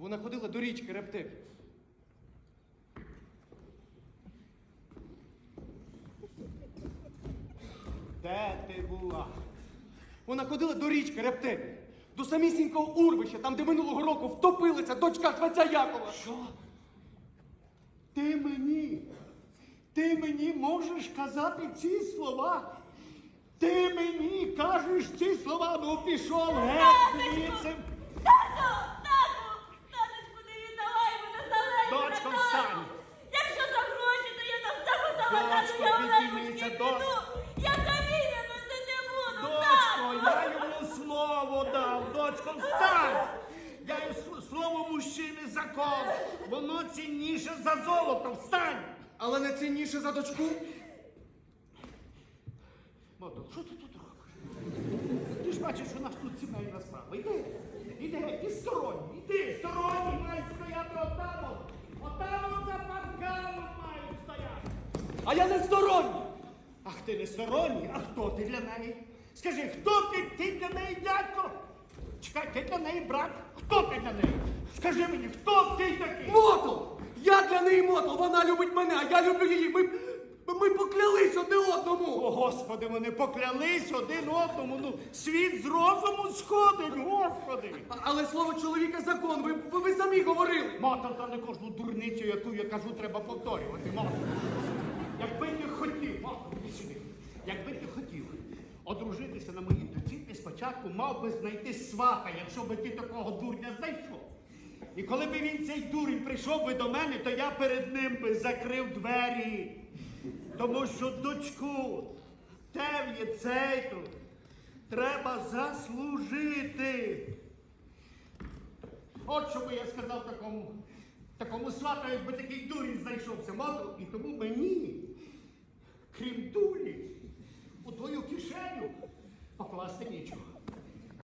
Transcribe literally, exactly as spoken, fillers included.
Вона ходила до річки репти. Де ти була? Вона ходила до річки репти. До самісінького урвища, там, де минулого року втопилася дочка Швеця Якова. Що? Ти мені, ти мені можеш казати ці слова? Ти мені кажеш ці слова? Ну пішов геть звідси. Тату! Тату! Таточку, не віддавай мене залежно! Дочко, встань! Якщо за гроші, то я на все готова, тату, Дочко, я піднімися, Олежечки дочко. піду! Я каміння носити не буду, Дочко, тату! я йому слово дав. Дочко, встань! Я йому с- слово мужчини закон. Воно цінніше за золото. Встань! Але не цінніше за дочку. Мото, що ти тут робиш? Ти ж бачиш, що у нас тут сімейна справа. Іди, іди, геть, ти сторонній, іди, сторонній мають стояти отам. от. Отам от за парканом мають стояти. А я не сторонній. Ах, ти не сторонній, а хто ти для неї? Скажи, хто ти? Ти для неї дядько? Чекай, ти для неї брат? Хто ти для неї? Скажи мені, хто ти такий? Мотл! Я для неї мотл, вона любить мене, а я люблю її. Ми, ми поклялись одне одному. О, Господи, вони поклялись один одному. Ну, світ з розуму сходить, Господи. А- Але слово чоловіка закон, ви, ви, ви самі говорили. Мотор, та не кожну дурницю, яку я кажу, треба повторювати. Мотор. Якби ти хотів, Мотор, іди сюди. Якби ти хотів одружитися на моїй доці, ти спочатку мав би знайти свата, якщо би ти такого дурня знайшов. І коли би він, цей дурень, прийшов би до мене, то я перед ним би закрив двері. Тому що дочку Тев'є Цейту треба заслужити. От що би я сказав такому, такому свату, якби такий дурень знайшовся. Мотор, і тому мені, крім дурі, у твою кишеню покласти нічого.